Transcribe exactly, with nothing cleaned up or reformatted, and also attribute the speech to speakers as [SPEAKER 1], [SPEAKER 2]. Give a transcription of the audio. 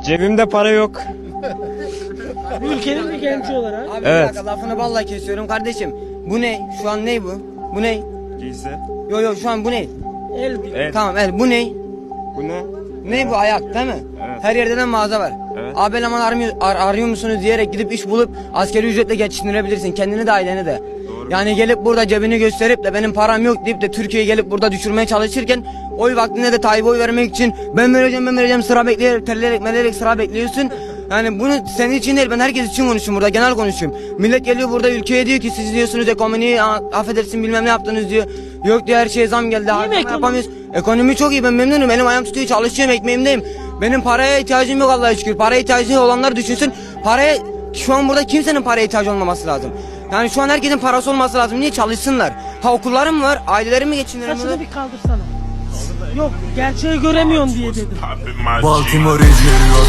[SPEAKER 1] Cebimde para yok.
[SPEAKER 2] Ülkenin bir genci olarak.
[SPEAKER 3] Abi
[SPEAKER 1] Evet.
[SPEAKER 3] bir dakika lafını balla kesiyorum kardeşim. Bu ne? Şu an ne bu? Bu ne?
[SPEAKER 1] Giysi.
[SPEAKER 3] Yo yo şu an bu ne?
[SPEAKER 2] El
[SPEAKER 1] Evet.
[SPEAKER 3] Tamam el bu ne?
[SPEAKER 1] Bu ne?
[SPEAKER 3] Ne bu ayak değil mi?
[SPEAKER 1] Evet.
[SPEAKER 3] Her yerde de mağaza var.
[SPEAKER 1] Evet.
[SPEAKER 3] Abi eleman armıyor, ar- arıyor musunuz diyerek gidip iş bulup askeri ücretle geçindirebilirsin. Kendini de aileni de.
[SPEAKER 1] Doğru.
[SPEAKER 3] Yani gelip burada cebini gösterip de benim param yok deyip de Türkiye'yi gelip burada düşürmeye çalışırken oy vaktinde de Tayyip'e oy vermek için ben vereceğim ben vereceğim sıra bekleyerek terleyerek meleyerek sıra bekliyorsun. Yani bunu senin için değil ben herkes için konuşuyorum burada genel konuşuyorum. Millet geliyor burada ülkeye diyor ki siz diyorsunuz ekonomiyi a- affedersin bilmem ne yaptınız diyor. Yok diyor her şeye zam geldi. harcama
[SPEAKER 2] ekonomi?
[SPEAKER 3] yapamıyoruz. Ekonomi çok iyi ben memnunum elim ayağım tutuyor çalışıyorum ekmeğimdeyim. Benim paraya ihtiyacım yok Allah'a şükür. Paraya ihtiyacı olanlar düşünsün. Paraya şu an burada kimsenin paraya ihtiyacı olmaması lazım. Yani şu an herkesin parası olması lazım. Niye çalışsınlar? Ha okullarım var, ailelerimi geçindiremiyorlar.
[SPEAKER 2] Saçını bir kaldırsana. Yok gerçeği göremiyorsun diye dedim.
[SPEAKER 4] Baltimore izleniyor.